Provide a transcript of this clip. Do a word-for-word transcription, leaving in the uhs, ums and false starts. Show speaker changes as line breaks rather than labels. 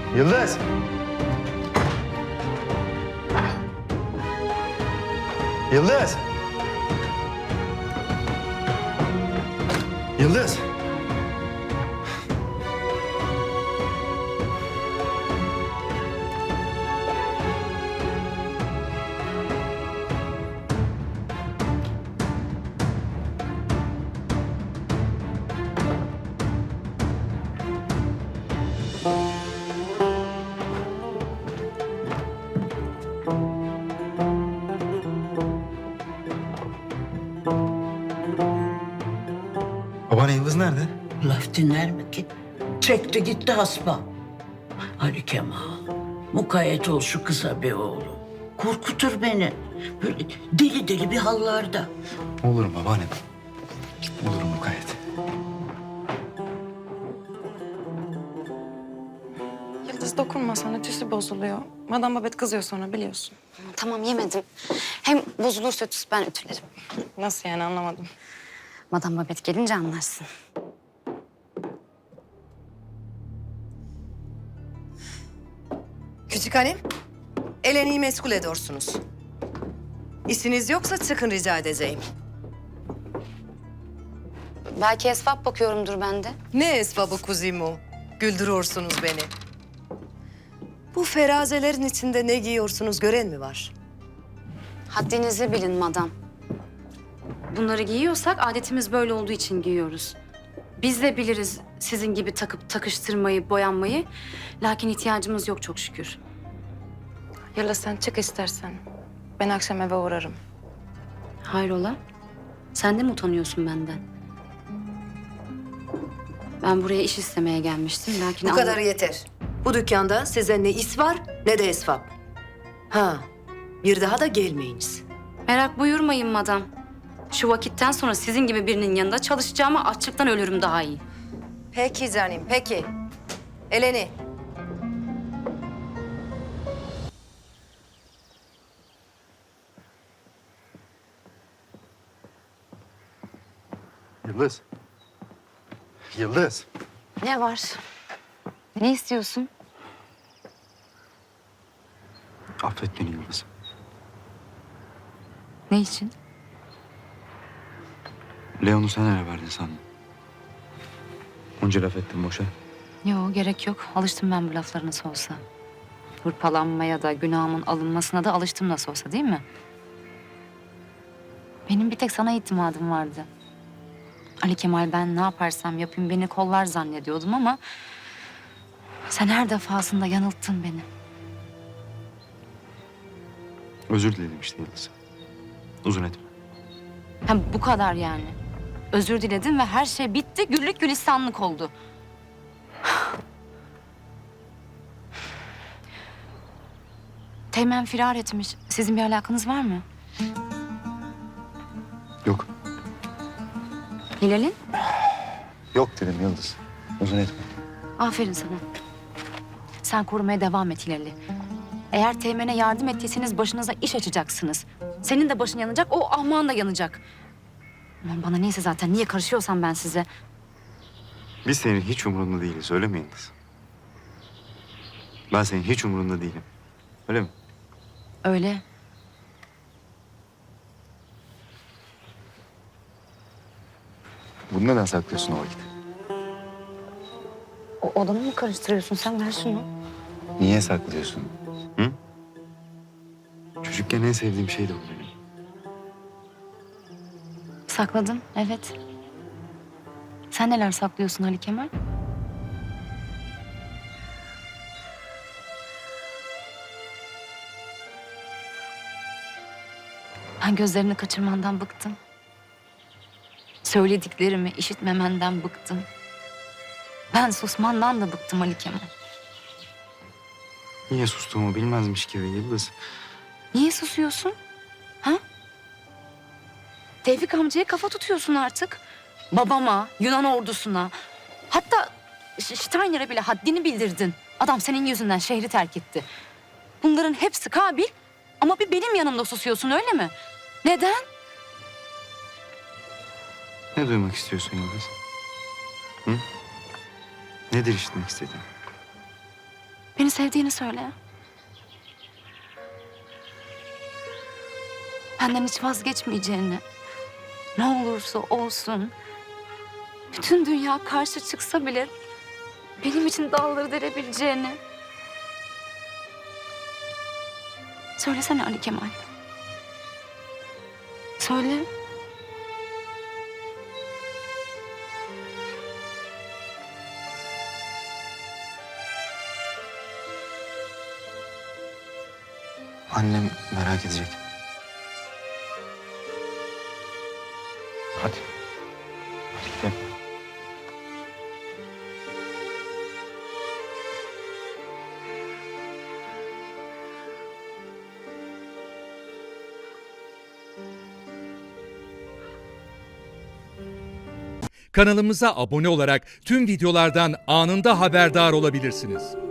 Yıldız! Yıldız! Yıldız! Babaanne Yıldız nerede?
Laf dinler mi ki? Çekti gitti hasba. Ali Kemal, mukayyet ol şu kıza be oğlum. Korkutur beni. Böyle deli deli bir hallarda.
Olurum babaanne. Olurum mukayyet.
Yıldız dokunma sana, tüsü bozuluyor. Madam Babet kızıyor sonra biliyorsun.
Tamam yemedim. Hem bozulursa ötüsü ben ütülerim.
Nasıl yani anlamadım.
Madam Babet gelince anlarsın.
Küçük hanım, Eleni'yi meşgul ediyorsunuz. İşiniz yoksa çıkın rica edeceğim.
Belki esvap bakıyorumdur ben de.
Ne esbabı kuzimu? Güldürüyorsunuz beni. Bu ferazelerin içinde ne giyiyorsunuz gören mi var?
Haddinizi bilin madam. Bunları giyiyorsak adetimiz böyle olduğu için giyiyoruz. Biz de biliriz sizin gibi takıp takıştırmayı, boyanmayı. Lakin ihtiyacımız yok çok şükür.
Yıldız sen çık istersen. Ben akşam eve uğrarım.
Hayrola? Sen de mi utanıyorsun benden? Ben buraya iş istemeye gelmiştim. Lakin
Bu
anla-
kadar yeter. Bu dükkanda size ne is var ne de esbab. Ha, bir daha da gelmeyiniz.
Merak buyurmayın madam. Şu vakitten sonra sizin gibi birinin yanında çalışacağıma açlıktan ölürüm daha iyi.
Peki canım, peki. Eleni.
Yıldız. Yıldız.
Ne var? Ne istiyorsun?
Affet beni Yıldız.
Ne için?
Leon'u sen ele verdin sandım. Onca laf ettim boşa.
Yok gerek yok. Alıştım ben bu laflara nasıl olsa. Hırpalanmaya da günahımın alınmasına da alıştım nasıl olsa değil mi? Benim bir tek sana itimadım vardı. Ali Kemal ben ne yaparsam yapayım beni kollar zannediyordum ama... sen her defasında yanılttın beni.
Özür diledim işte Yıldız. Uzun etme.
Ha, bu kadar yani. Özür diledim ve her şey bitti. Güllük gülistanlık oldu. Teğmen firar etmiş. Sizin bir alakanız var mı?
Yok.
Hilal'in?
Yok dedim Yıldız. Uzun etme.
Aferin sana. Sen korumaya devam et Hilal'i. Eğer Teğmen'e yardım ettiyseniz başınıza iş açacaksınız. Senin de başın yanacak, o ahmağın da yanacak. Aman bana neyse zaten. Niye karışıyorsam ben size.
Biz senin hiç umurunda değiliz öyle mi Yıldız? Ben senin hiç umurunda değilim. Öyle mi?
Öyle.
Bunu neden saklıyorsun o vakit?
O odamı mı karıştırıyorsun sen? Ver şunu.
Niye saklıyorsun? Hı? Çocukken en sevdiğim şeydi bu benim.
Sakladım, evet. Sen neler saklıyorsun Ali Kemal? Ben gözlerini kaçırmandan bıktım. Söylediklerimi işitmemenden bıktım. Ben susmandan da bıktım Ali Kemal.
Niye sustuğumu bilmezmiş gibi Yıldız.
Niye susuyorsun? Ha? Tevfik amcaya kafa tutuyorsun artık. Babama, Yunan ordusuna. Hatta Ş- Steiner'e bile haddini bildirdin. Adam senin yüzünden şehri terk etti. Bunların hepsi kabil ama bir benim yanımda susuyorsun öyle mi? Neden?
Ne duymak istiyorsun Yıldız? Hı? Nedir işitmek istediğin?
Beni sevdiğini söyle. Benden hiç vazgeçmeyeceğini. Ne olursa olsun. Bütün dünya karşı çıksa bile benim için dağları derebileceğini. Söylesene Ali Kemal. Söyle.
Annem merak edecek. Hadi. Hadi gel.
Kanalımıza abone olarak tüm videolardan anında haberdar olabilirsiniz.